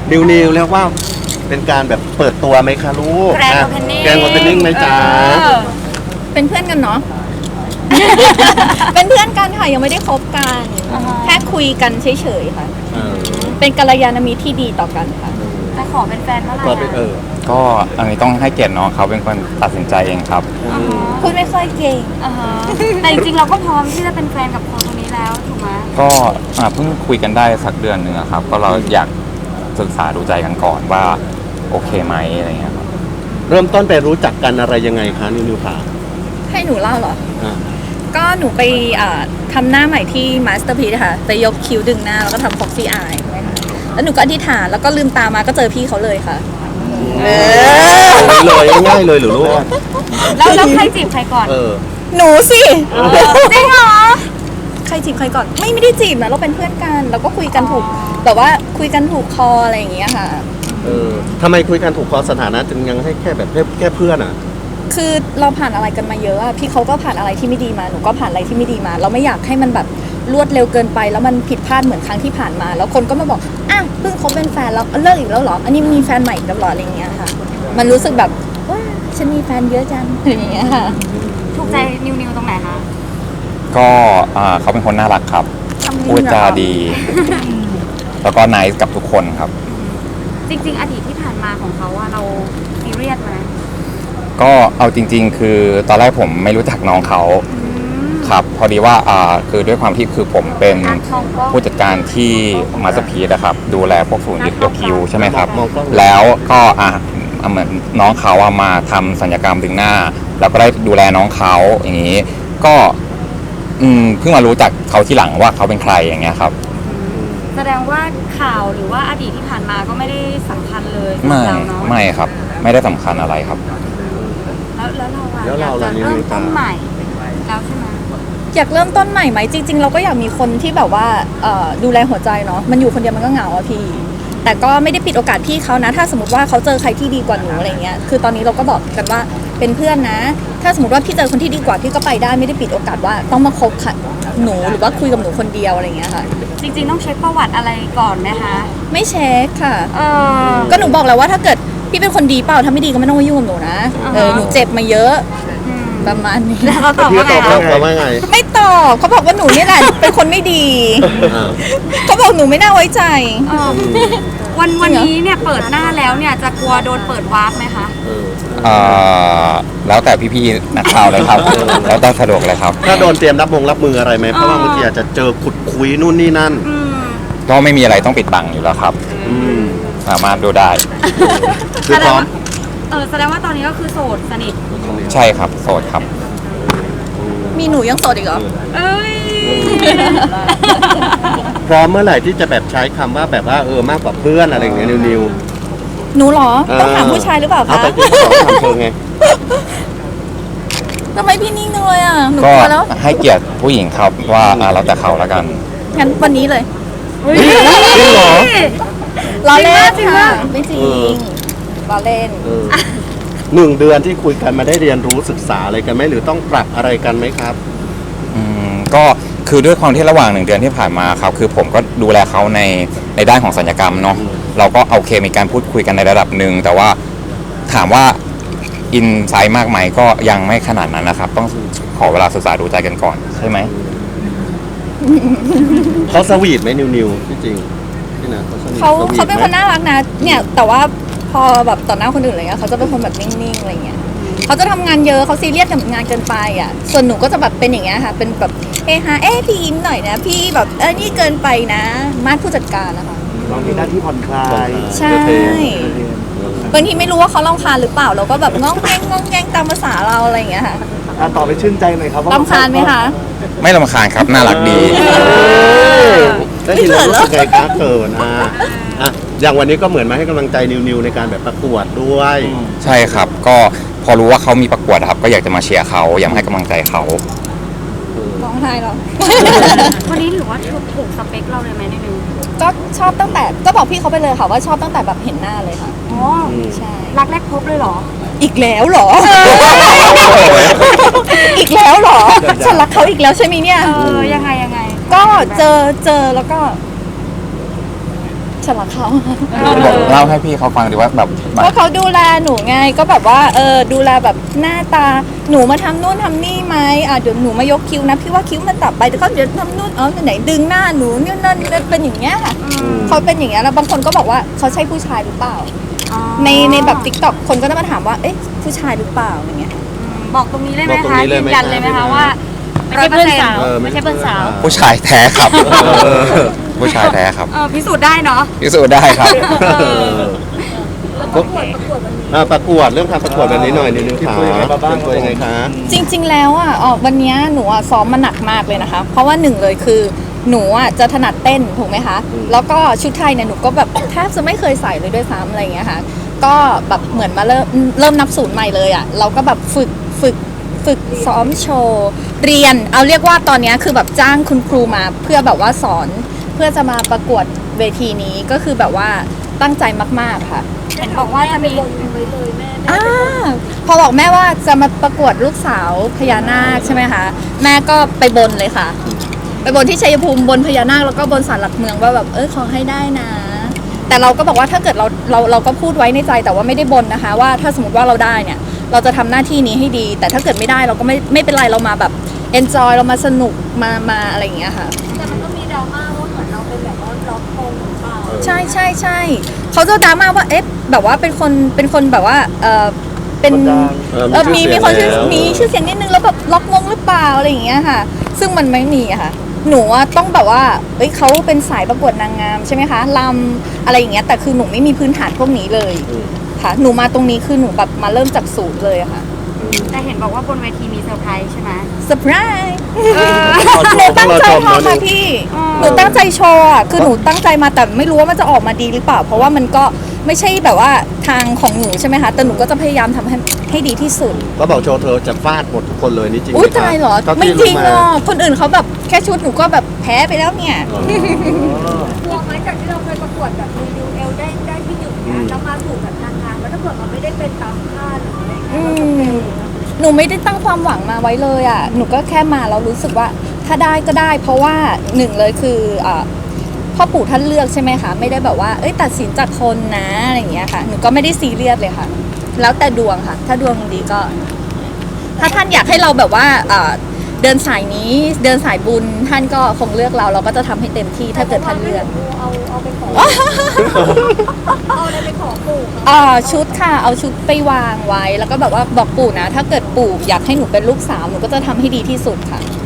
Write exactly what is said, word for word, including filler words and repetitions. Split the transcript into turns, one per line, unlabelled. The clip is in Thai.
นิวนิวเรียกว่าเป็นการแบบเปิดตัวไหมคะลูก
แกรนด์โอเพนนิ่ง
แกรนด์โอเพนนิ่งไหมจ๊ะ
เป็นเพื่อนกันเนาะ เป็นเพื่อนกันค่ะยังไม่ได้คบกันแค่คุยกันเฉยๆค่ะ
เออ
เป็นกัลยาณมิตรที่ดีต่อกันค่ะ
จะขอเป็นแฟนเมื่อไหร่
ก็เป็นเออ
ก็อันนี้ต้องให้เกียรติน้องเขาเป็นคนตัดสินใจเองครับ
พูดไม่ค่อยเก่ง
อ่าฮะแต่จริงๆเราก็พร้อมที่จะเป็นแฟนกับคนคนนี้แล้วถูกไหม
ก็อ่าเพิ่งคุยกันได้สักเดือนหนึ่งอะครับ ก็เราอยากศึกษาดูใจกันก่อนว่าโอเคไหมอะไรเงี้ยครับ
เริ่มต้นไปรู้จักกันอะไรยังไงคะนิวนิวค่ะ
ให้หนูเล่าเหรอ
อ่า
ก็หนูไปอ่าทำหน้าใหม่ที่ Masterpiece ค่ะ ไปยกคิ้วดึงหน้าแล้วก็ทำ Foxy Eye ใช่ไหมคะแล้วหนูก็อธิษฐานแล้วก็ลืมตามาก็เจอพี่เขาเลยค่ะ เออ
เลยง่ายๆเลยเหรือลูก
แล้วแล้วใครจีบใครก่อน
เออ
หนูสิ
จริงเหรอ
ใครจีบใครก่อน ไม่ไม่ได้จีบนะเราเป็นเพื่อนกันเราก็คุยกันถูกแบบว่าคุยกันถูกคออะไรอย่างเงี้ยค่ะ
เออทำไมคุยกันถูกคอสถานะจึงยังให้แค่แบบแค่แค่เพื่อนอ่ะ
คือเราผ่านอะไรกันมาเยอะอะพี่เขาก็ผ่านอะไรที่ไม่ดีมาหนูก็ผ่านอะไรที่ไม่ดีมา เราไม่อยากให้มันแบบรวดเร็วเกินไปแล้วมันผิดพลาดเหมือนครั้งที่ผ่านมา แล้วคนก็มาบอกอ่ะเพิ่งคบเป็นแฟนแล้วเลิกอีกแล้วเหรออันนี้มีแฟนใหม่อีกแล้วเหรออะไรอย่างเงี้ยค่ะ มันรู้สึกแบบว้าฉันมีแฟนเยอะจังอย่างเงี้ยค่ะ
ถูกใจนิวนิวตรงไหนคะ
ก็อ่าเขาเป็นคนน่ารักครับ
ทำดี
พูดจา
เหรอ
ดี แล้วก็ไนซ์กับทุกคนครับ
จริง ๆ อดีตที่ผ่านมาของเขาอะเราซีเรียสไหม
ก็เอาจริง ๆ คือตอนแรกผมไม่รู้จักน้องเขาครับ พอดีว่าอ่าคือด้วยความที่คือผมเป็น
การทองก็
ผู้จัดการที่มาสเตอร์พีซนะครับ ดูแลพวกศูนย์ยึดยกคิวใช่ไหมครับ
มองกล้อง
แล้วก็อ่ะเหมือนน้องเขาอะมาทำศัลยกรรมดึงหน้า แล้วก็ได้ดูแลน้องเขาอย่างนี้ ก็อืมเพิ่งมารู้จักเขาที่หลังว่าเขาเป็นใครอย่างเงี้ยครับ
แสดงว่าข่าวหรือว่าอดีตที่ผ่านมาก็ไม่ได้สำคัญเลยสำห
ไม่
รับเราเนาะ
ไม่ครับ ไม่ได้สำคัญอะไรครับ
แล้วแล้วเราอะ
แล้วเรา
อยากจะ
ล่ะนิว
เริ่
นิ
ม
ว
ต้นใหม่แล้วใช่ไหม
อยากเริ่มต้นใหม่ไหมจริง ๆ เราก็อยากมีคนที่แบบว่าเอ่อดูแลหัวใจเนาะมันอยู่คนเดียวมันก็เหงาอะพี่ แต่ก็ไม่ได้ปิดโอกาสพี่เขานะ ถ้าสมมติว่าเขาเจอใครที่ดีกว่าหนูอะไรเงี้ยคือตอนนี้เราก็บอกกันว่าเป็นเพื่อนนะ ถ้าสมมติว่าพี่เจอคนที่ดีกว่าพี่ก็ไปได้ไม่ได้ปิดโอกาสว่าต้องมาคบค่ะหนูหรือว่าคุยกับหนูคนเดียวอะไรเงี้ยค่ะ
จริง ๆ ต้องเช็คประวัติอะไรก่อนไหมคะ
ไม่เช็คค่ะ
เออ
ก็หนูบอกแล้วว่าถ้าเกิดพี่เป็นคนดีเปล่าถ้าไม่ดีก็ไม่ต้องมายุ่งกับหนูนะเออหนูเจ็บมาเยอะ
อืม
ประมาณนี้
แล้วเราตอบ
พี่
ว่า
ต
ไง
อบ
คะ
เราว่าไง
ไม่ตอบเขาบอกว่าหนูนี่แหละเป็นคนไม่ดี
อ่า
เขาบอกหนูไม่น่าไว้ใจ
เออวันวันนี้เนี่ยเปิดหน้าแล้วเนี่ยจะกลัวโดนเปิดวาร์ปไหมคะ
เออ
เอ่อแล้วแต่พี่ๆนักข่าวเลยครับ แล้วแต่สะดวกเลยครับ
ถ้าโดนเตรียมรับมงรับมืออะไรไหมเพราะว่าบางทีอาจจะเจอขุดคุยนู่นนี่นั่น
อืม
ก็ไม่มีอะไรต้องปิดบังอยู่แล้วครับ
อืม
สามารถดูได้
คือพร้อม
เออแสดงว่าตอนนี้ก็คือโสดสนิท
ใช่ครับ โสดครับ
มีหนูยังโสดอีกเหรอ
เอ้ย
พร้อมเมื่อไหร่ที่จะแบบใช้คำว่าแบบว่าเออมากกว่าเพื่อนอะไรอย่างเงี้ยนิวนิว
หนูเหรอ
เออ
ต้องถามผู้ชายหรือเปล่า
เอา
คะ
แต่จริงๆต้องถามเธอไง
ทำไมพี่นิ่งจังเลยอ่ะ หนู
ก็
กลัวแล้ว
ให้เกียรติผู้หญิงครับว่าอ่าเราแต่เขาแล้วกัน
งั้นวันนี้เลย
จริงเหรอ
ล้อเล่น
จริง
ค่ะ
ปะ
ไม่จริ
เออ
งล้อเล่น
เออหนึ่งเดือนที่คุยกันมาได้เรียนรู้ศึกษาอะไรกันไหมหรือต้องปรับอะไรกันไหมครับ
อืมก็คือด้วยความที่ระหว่างหนึ่งเดือนที่ผ่านมาครับคือผมก็ดูแลเขาในในด้านของศัลยกรรมเนาะ
อืม
เราก็โอเคมีการพูดคุยกันในระดับหนึ่งแต่ว่าถามว่าอินไซต์มากไหมก็ยังไม่ขนาดนั้นนะครับ ต้องขอเวลาศึกษาดูใจกันก่อนใช่ไหม
เขาสวีทไหมนิวนิวที่จริงพี่นะเขาสวีท
เขา
สวีท
เขาเป็น
ไหม
คนน่ารักนะ เนี่ย แต่ว่าพอแบบต่อหน้าคนอื่นอะไรเงี้ยเขาจะเป็นคนแบบนิ่งๆอะไรเงี้ยเขาจะทำงานเยอะเขาซีเรียสกับงานเกินไปอ่ะ ส่วนหนูก็จะแบบเป็นอย่างเงี้ยค่ะ เป็นแบบเฮฮาเอ๊ะพี่ยิ้มหน่อยนะ พี่แบบเออนี่เกินไปนะมาดผู้จัดการนะคะ
เรามีหน้าที่ผ่อนคลาย
ใช่ บางทีไม่รู้ว่าเขารำคาญหรือเปล่าเราก็แบบง้องแงงง้องแงงตามภาษาเราอะไรอย่างเงี้ยค่ะ
อ่ะต่อไปชื่นใจหน่อยครับว่
รำคาญไหมคะ
ไม่รำคาญครับน่ารักดี
ได้ยินแล้วรู้สึกไงคะเกินอ่ะอ่ะอย่างวันนี้ก็เหมือนมาให้กำลังใจนิวนิวในการแบบประกวดด้วย
ใช่ครับ ก็พอรู้ว่าเขามีประกวดครับ ก็อยากจะมาเชียร์เขาอยากให้กำลังใจเขา
ร้องไห้หรอ
วันนี้ถือว่าถูกสเปคเราเลยไหมนิดนึง
ก็ชอบตั้งแต่ก็บอกพี่เขาไปเลยค่ะว่าชอบตั้งแต่แบบเห็นหน้าเลยค่ะ
อ๋อ
ใช่
รักแรกพบเลยเหรอ
อีกแล้วเหรอ อีกแล้วเหรอ ฉันรักเขาอีกแล้วใช่ไหมเนี่ย
เออ ยังไงยังไง
ก็เจอเจอแล้วก็ ฉฉันรักเขา
บอกเล่าให้พี่เขาฟังดีว่าแบบแบบ
ว่าเขาดูแลหนูไงก็แบบว่าเออดูแลแบบหน้าตาหนูมาทำนู่นทำนี่ไหมอ่ะเดี๋ยวหนูมายกคิ้วนะพี่ว่าคิ้วมันตัดไปเดี๋ยวเขาเดี๋ยวทำนู่นอ๋อไหนดึงหน้าหนูนี่นั่นเป็นอย่างเงี้ยค่ะเขาเป็นอย่างเงี้ยแล้วบางคนก็บอกว่าเขาใช่ผู้ชายหรือเปล่า
อ๋อ
ในในแบบติ๊กต็อกคนก็จะมาถามว่าเอ๊ะผู้ชายหรือเปล่าอย่างเงี้ย
บอกตรงนี้เลยไหม
บอกตรง
คะ
นี้เลย
ยื
ไหม
นยันเลยไหม
คะ
คะว่า
ไม่ใช่เพื่อนสาว
เออ
ไม่ใช่เพื่อนสาว
ผู้ชายแท้ครับ
เออ
ผู้ชายแท้ครับ
เออพิสูจน์ได้เนาะ
พิสูจน์ได้ครับ
ก็อ่าประกวดเรื่องการประกวดแบบนี้หน่อยนิดนึงค่ะ
เตรียมตัวยังไงมาบ้าง
เตรียมตัวยังไงคะ
จริง ๆ แล้วอ่ะอ๋อวันเนี้ยหนูอ่ะซ้อมมาหนักมากเลยนะคะ เพราะว่าหนึ่งเลยคือหนูอ่ะจะถนัดเต้นถูกไหมคะ แล้วก็ชุดไทยเนี่ยหนูก็แบบแทบจะไม่เคยใส่เลยด้วยซ้ำอะไรอย่างเงี้ยค่ะ ก็แบบเหมือนมาเริ่มเริ่มนับศูนย์ใหม่เลยอ่ะ เราก็แบบฝึกฝึกฝึกซ้อมโชว์เรียน เอาเรียกว่าตอนเนี้ยคือแบบจ้างคุณครูมาเพื่อแบบว่าสอนเพื่อจะมาประกวดเวทีนี้ก็คือแบบว่าตั้งใจมากๆค่ะ
เห็นบอกว่าจะมี
อ่าพอบอกแม่ว่าจะมาประกวดลูกสาวพญานาคใช่ไหมคะแม่ก็ไปบนเลยค่ะ ไปบนที่ชัยภูมิบนพญานาคแล้วก็บนศาลหลักเมืองว่าแบบเออขอให้ได้นะ แต่เราก็บอกว่าถ้าเกิดเราเราเราก็พูดไว้ในใจแต่ว่าไม่ได้บนนะคะ ว่าถ้าสมมติว่าเราได้เนี่ย เราจะทำหน้าที่นี้ให้ดี แต่ถ้าเกิดไม่ได้เราก็ไม่ไม่เป็นไรเรามาแบบ enjoy เรามาสนุกมามาอะไรอย่างเงี้ยค่ะ
แต่มันก็มีดราม่าว่าเหมือนเราเป็นแบบว่าล็อกคงหรือเปล่า
ใช่ใช่ใช่เขาจะดราม่าว่าเอ๊ะแบบว่าเป็นคนเป็นคนแบบว่าเออเป็น
คนดัง
เออ
เออมีมีคนชื่อ
แล้ว
มีชื่อเสียงนิดนึงแล้วแบบล็อกมงหรือเปล่าอะไรอย่างเงี้ยค่ะ ซึ่งมันไม่มีอะค่ะ หนูอะต้องแบบว่าเอ้ยเขาเป็นสายประกวดนางงามใช่ไหมคะลำอะไรอย่างเงี้ยแต่คือหนูไม่มีพื้นฐานพวกนี้เลยค่ะหนูมาตรงนี้คือหนูแบบมาเริ่มจากศูนย์เลยอะค่ะ
แต่เห็นบอกว่าบนเวทีมีเซอร์ไพรส์ใช่ไหม
เซอร์ไพรส์
เออ
หนูตั้งใจ
รอชม
ทำ
เน
ค่ะ
อะ
พี่
อืม
หนูตั้งใจโชว์อะคือหนูตั้งใจมาแต่ไม่รู้ว่ามันจะออกมาดีหรือเปล่า เพราะว่ามันก็ไม่ใช่แบบว่าทางของหนูใช่ไหมคะ แต่หนูก็จะพยายามทำให้ให้ดีที่สุด
ก็บอกโชว์เธอจะฟาดหมดทุกคนเลยนี่จริงไหม
อุ้ย
คะ
ตายเหรอ
เท่า
ไม่
ที่
จริง
มา
หรอกคนอื่นเขาแบบแค่ชุดหนูก็แบบแพ้ไปแล้วเนี่ย
กลัวไหมจากที่เราเคยประกวดแบบรีวิวเอลได้ได้ที่หนึ่งเนี่ยแล้วมาถูกแบบนางงามแล้วถ้าเกิดมันไม่ได้เป็นตามคาดหรืออะไร
อื
เงี้ย
มหนูไม่ได้ตั้งความหวังมาไว้เลยอ่ะ หนูก็แค่มาแล้วรู้สึกว่าถ้าได้ก็ได้ เพราะว่าหนึ่งเลยคืออ่าพ่อปู่ท่านเลือกใช่ไหมคะ ไม่ได้แบบว่าเอ้ยตัดสินจากคนนะอะไรอย่างเงี้ยค่ะ หนูก็ไม่ได้ซีเรียสเลยค่ะ แล้วแต่ดวงค่ะ ถ้าดวงดีก็ ถ้าท่านอยากให้เราแบบว่าอ่าเดินสายนี้เดินสายบุญท่านก็คงเลือกเราเราก็จะทำให้เต็มที่ถ้าเกิดท่านเลือก
เอาเอาไปขอเอาอะไรไปขอปู่เขา
อ่าชุดค่ะเอาชุดไปวางไว้แล้วก็แบบว่าบอกปู่นะ ถ้าเกิดปู่อยากให้หนูเป็นลูกสาวหนูก็จะทำให้ดีที่สุดค่ะ